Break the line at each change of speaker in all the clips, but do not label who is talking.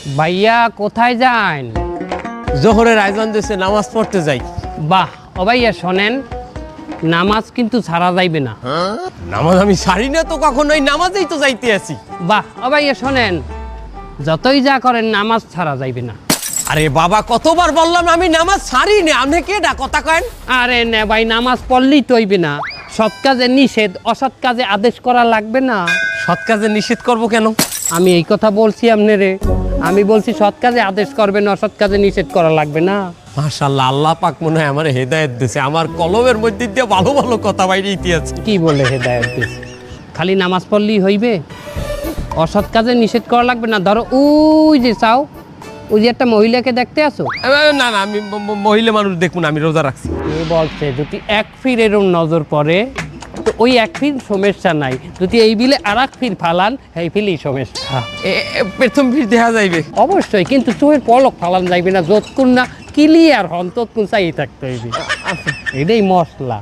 ভাইয়া কোথায় যান?
জোহরের আয়োজন দিয়েছে, নামাজ পড়তে যাই।
বাহ, ও ভাইয়া শোনেন, নামাজ কিন্তু ছাড়া যাইবে না।
নামাজ আমি ছাড়ি না তো, কখনোই নামাজেই তো যাইতে আছি।
বাহ, ও ভাইয়া শোনেন, যতই যা করেন নামাজ ছাড়া যাইবে না।
আরে বাবা, কতবার বললাম আমি নামাজ ছাড়ি না, আপনি কেডা কথা কেন?
আরে না ভাই, নামাজ পড়লেই তো হইবে না। সৎ কাজে নিষেধ, অসৎ কাজে আদেশ করা লাগবে না।
সৎ কাজে নিষেধ করব কেন?
আমি এই কথা বলছি আপনারে, আমি বলছি সৎ কাজে আদেশ করবেন, অসৎ কাজে নিষেধ করা লাগবে না।
মাশাআল্লাহ, আল্লাহ পাক মনে হয় আমার হেদায়েত দিয়েছে, আমার কলমের মধ্যে দিয়ে ভালো ভালো কথা বাইরে আছে।
কি বলে হেদায়েত দিয়েছে? খালি নামাজ পড়লেই হইবে? অসৎ কাজে নিষেধ করা লাগবে না। ধরো ওই যে চাও, ওই যে একটা মহিলাকে দেখতে আসো।
না না, আমি মহিলা মানুষ দেখুন, আমি রোজা রাখছি।
এ বলছে যদি এক ফির এরম নজর পড়ে তো ওই এক ফির সমস্যা নাই, যদি এই বিলে আর এক ফির ফালান এই ফিলই সমস্যা।
প্রথম ফির দেখা যাইবে
অবশ্যই, কিন্তু চোখের পলক ফালান যাইবে না, যতক্ষণ না ক্লিয়ার হন ততক্ষণ চাই থাকতে হইবে। এটাই মশলা।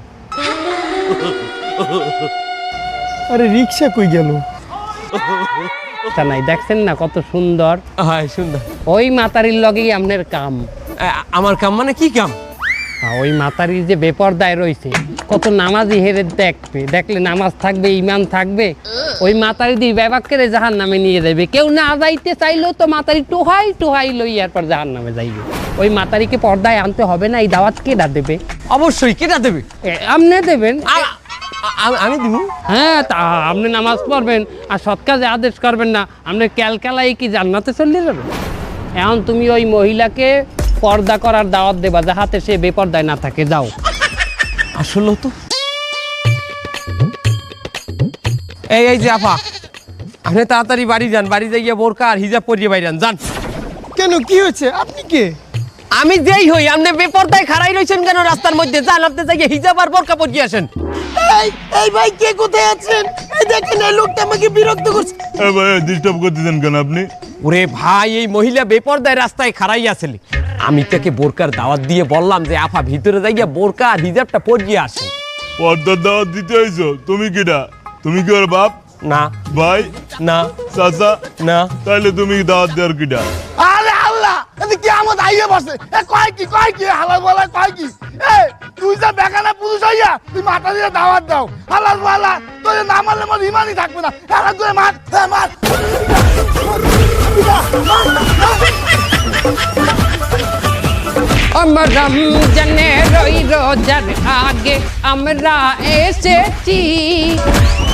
আরে রিক্সা কই গেল?
তা নাই, দেখছেন না কত সুন্দর?
হ্যাঁ সুন্দর।
ওই মাতারির লগেই আপনার কাম।
আমার কাম মানে কি কাম?
ওই মাতারির যে বেপরদায় রয়েছে, কত নামাজি হেরে দেখবে, দেখলে নামাজ থাকবে, ইমান থাকবে, ওই মাতারি দিয়ে ব্যবাকের জাহান নামে নিয়ে যাবে। কেউ না যাইতে চাইলেও তো মাতারি টোহাই টোহাই লই এরপর জাহান নামে যাইবে। ওই মাতারিকে পর্দায় আনতে হবে না? এই দাওয়াত কেডা দেবে?
অবশ্যই, কেটা দেবে?
আপনি দেবেন।
আমি দিব?
হ্যাঁ, তা আপনি নামাজ পড়বেন আর সৎ কাজে আদেশ করবেন না, আপনি ক্যালকালাই কি জান্নাতে চলে যাবেন? এখন তুমি ওই মহিলাকে পর্দা করার দাওয়াত দেবা, যাহাতে সে বেপর্দায় না থাকে। যাও।
আসলে তো এই যে আপা, আপনি তাড়াতাড়ি বাড়ি যান, বাড়ি যাইয়া বোরকা আর হিজাব পরিয়ে বাইরে যান।
কেন, কি হয়েছে? আপনি কে?
আমি যেই হই, আপনি বেপরদায় খাড়াই রইছেন কেন রাস্তার মধ্যে? যান, আপনি যাইয়া হিজাব আর বোরকা পরিয়ে আসেন।
এই ভাই, কে কোথায় আছেন? এই দেখেন, এই লোকটা আমাকে বিরক্ত করছে।
এ ভাই, ডিস্টার্ব করতেছেন কেন আপনি?
ওরে ভাই, এই মহিলা বেপরদায় রাস্তায় খাড়াই আছিল, আমি তাকে বোরকার দাওয়াত দিয়ে বললাম যে আপা ভিতরে যাইয়া বোরকা আর হিজাবটা পরিয়ে আসেন।
পর্দার দাওয়াত দিতে হইছো? তুমি কিডা? তুমি কি ওর বাপ?
না।
ভাই?
না।
চাচা?
না।
তাইলে তুমি দাওয়াত দেওয়ার কিডা?
আরে আল্লাহ, এদিকে কি আমার আইয়ে বসে? এ কয় কি হালাল বলা কয় কি? এ তুই যা বেগানা পুরুষ হইয়া তুই মাথা দিয়ে দাওয়াত দাও, হালাল বলা তোর না মারলে মোর ইমানই থাকবে না। হালাল করে মার, মার।
আমার রমজানের ওই রোজার আগে আমরা এসেছি।